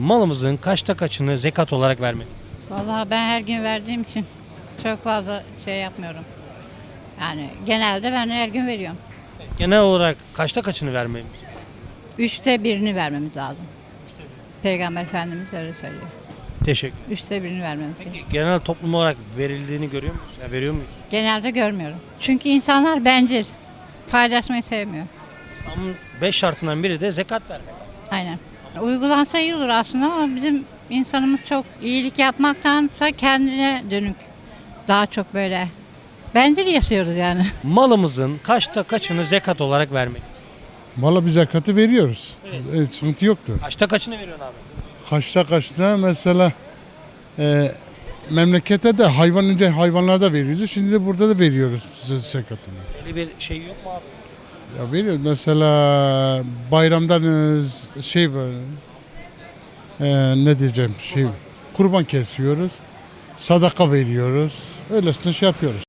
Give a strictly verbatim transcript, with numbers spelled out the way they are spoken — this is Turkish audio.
Malımızın kaçta kaçını zekat olarak vermeliyiz? Vallahi ben her gün verdiğim için çok fazla şey yapmıyorum. Yani genelde ben her gün veriyorum. Genel olarak kaçta kaçını vermeliyiz? Üçte birini vermemiz lazım. Peygamber Efendimiz öyle söylüyor. Teşekkür. Üçte birini vermemiz lazım. Peki genel toplum olarak verildiğini görüyor muyuz? Ya veriyor muyuz? Genelde görmüyorum. Çünkü insanlar bencil. Paylaşmayı sevmiyor. İslam'ın beş şartından biri de zekat vermek. Aynen. Uygulansa iyi olur aslında ama bizim insanımız çok iyilik yapmaktansa kendine dönük. Daha çok böyle bencil yaşıyoruz yani. Malımızın kaçta kaçını zekat olarak vermeliyiz? Valla biz zekatı veriyoruz. Evet. Sıkıntı yoktur. Kaçta kaçını veriyorsun abi? Kaçta kaçta mesela e, memlekete de hayvan önce hayvanlarda veriyordu. Şimdi de burada da veriyoruz zekatını. Öyle bir şey yok mu abi? Ya veriyoruz mesela bayramdan e, şey var. E, ne diyeceğim şey kurban kesiyoruz. Sadaka veriyoruz. Öylesine şey yapıyoruz.